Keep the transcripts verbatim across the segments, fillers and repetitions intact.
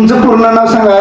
तुमचं पूर्ण नाव सांगा.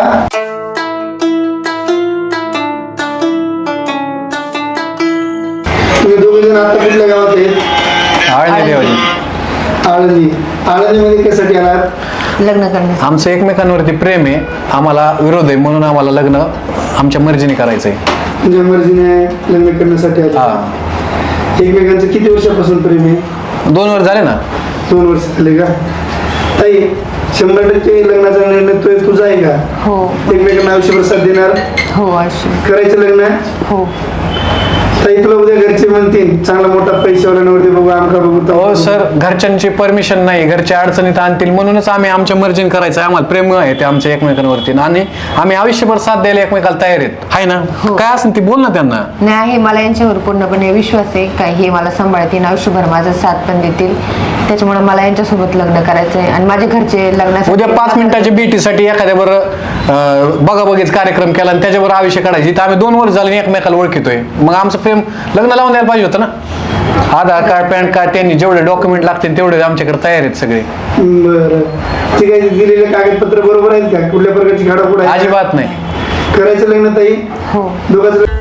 तुम्ही दोघे जण आता कुठल्या गावात आहेत? आळंदी देवाची. आळंदी. आळंदीमध्ये कशासाठी आलात? लग्न करण्यासाठी. आमचं एकमेकांवरती प्रेम आहे, आम्हाला विरोध आहे, म्हणून आम्हाला लग्न आमच्या मर्जीने करायचंय. तुमच्या मर्जीने लग्न करण्यासाठी आले. हा, एकमेकांचं किती वर्षापासून प्रेम आहे? दोन वर्ष झाले ना. दोन वर्ष झाले का? ताई, शंभर टक्के लग्नाचा निर्णय तो तुझा आहे का? हो एकमेकांना आयुष्यभर साथ देणार? हो अशी करायचं लग्न? हो. ताई, तुला उद्या घरचे म्हणतील चांगला मोठा पैशावाल्यांवरती बघू, आमका बघू. हो सर, घरच्यांची परमिशन नाही, घरच्या अडचणीत आणतील, म्हणूनच आम्ही आमच्या मर्जीने करायचं. आम्हाला प्रेम आहे ते आमच्या एकमेकांवरती, आणि आम्ही आयुष्यभर साथ द्यायला एकमेकाला तयार आहेत. आहे ना? काय असेल ती बोल ना त्यांना. नाही आहे, मला यांच्यावर पूर्णपणे विश्वास आहे काय हे मला सांभाळतील, आयुष्यभर माझा साथ पण देतील. त्याच्यामुळे मला यांच्यासोबत लग्न करायचं आहे. आणि माझे घरचे लग्नासाठी उद्या पाच मिनिटाच्या भेटीसाठी एखाद्या बरं बघा बघीच कार्यक्रम केला आणि त्याच्यावर आयुष्य काढायची, तर आम्ही दोन वर्ष झाले एकमेकाला ओळखितोय, मग आमचं प्रेम लग्न लावून द्यायला पाहिजे होतं ना. आधार कार्ड, पॅन कार्ड, त्यांनी जेवढे डॉक्युमेंट लागतील तेवढे आमच्याकडे तयार आहेत सगळे. बरं, ठीक आहे. दिलेले कागदपत्र बरोबर आहेत का? कुठल्या प्रकारची घाडापुड आहे? अजिबात नाही. करायचं लग्न ताई? हो. दोघांचं